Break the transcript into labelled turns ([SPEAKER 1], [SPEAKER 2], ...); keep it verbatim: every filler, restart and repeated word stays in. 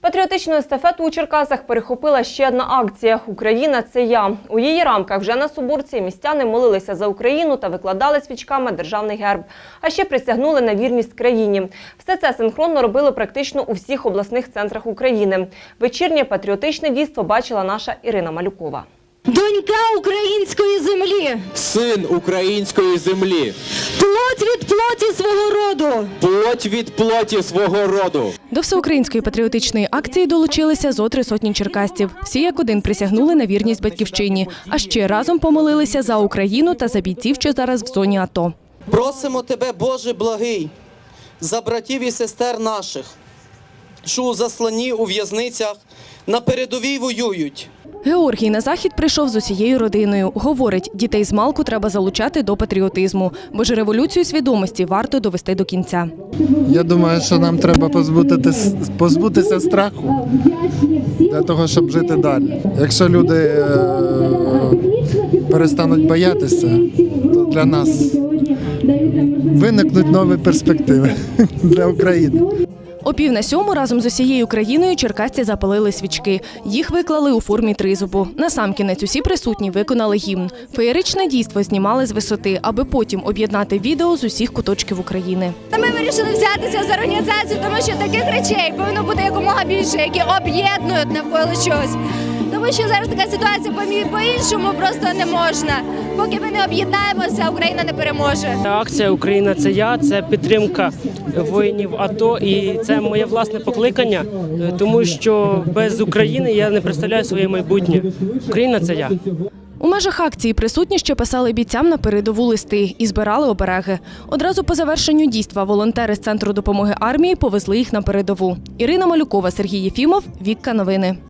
[SPEAKER 1] Патріотичну естафету у Черкасах перехопила ще одна акція «Україна – це я». У її рамках вже на Соборці містяни молилися за Україну та викладали свічками державний герб. А ще присягнули на вірність країні. Все це синхронно робили практично у всіх обласних центрах України. Вечірнє патріотичне дійство бачила наша Ірина Малюкова.
[SPEAKER 2] Донька української землі,
[SPEAKER 3] син української землі,
[SPEAKER 2] плоть від плоті свого роду,
[SPEAKER 3] плоть від плоті свого роду.
[SPEAKER 4] До всеукраїнської патріотичної акції долучилися зо три сотні черкасців. Всі як один присягнули на вірність батьківщині, а ще разом помолилися за Україну та за бійців, що зараз в зоні АТО.
[SPEAKER 5] Просимо Тебе, Боже благий, за братів і сестер наших, що у засланні, у в'язницях, на передовій воюють.
[SPEAKER 4] Георгій на захід прийшов з усією родиною. Говорить, дітей змалку треба залучати до патріотизму, бо ж революцію свідомості варто довести до кінця.
[SPEAKER 6] Я думаю, що нам треба позбутися, позбутися страху для того, щоб жити далі. Якщо люди е, перестануть боятися, то для нас виникнуть нові перспективи для України.
[SPEAKER 4] О пів на сьому разом з усією країною черкасці запалили свічки. Їх виклали у формі тризубу. Насамкінець усі присутні виконали гімн. Феєричне дійство знімали з висоти, аби потім об'єднати відео з усіх куточків України.
[SPEAKER 2] Ми вирішили взятися за організацію, тому що таких речей повинно бути якомога більше, які об'єднують навколо чогось. Тому що зараз така ситуація по-іншому просто не можна. Поки ми не об'єднаємося, Україна не переможе.
[SPEAKER 7] Акція «Україна – це я» – це підтримка воїнів АТО, і це моє власне покликання, тому що без України я не представляю своє майбутнє. Україна – це я.
[SPEAKER 4] У межах акції присутні ще писали бійцям на передову листи і збирали обереги. Одразу по завершенню дійства волонтери з Центру допомоги армії повезли їх на передову. Ірина Малюкова, Сергій Єфімов, Вікка Новини.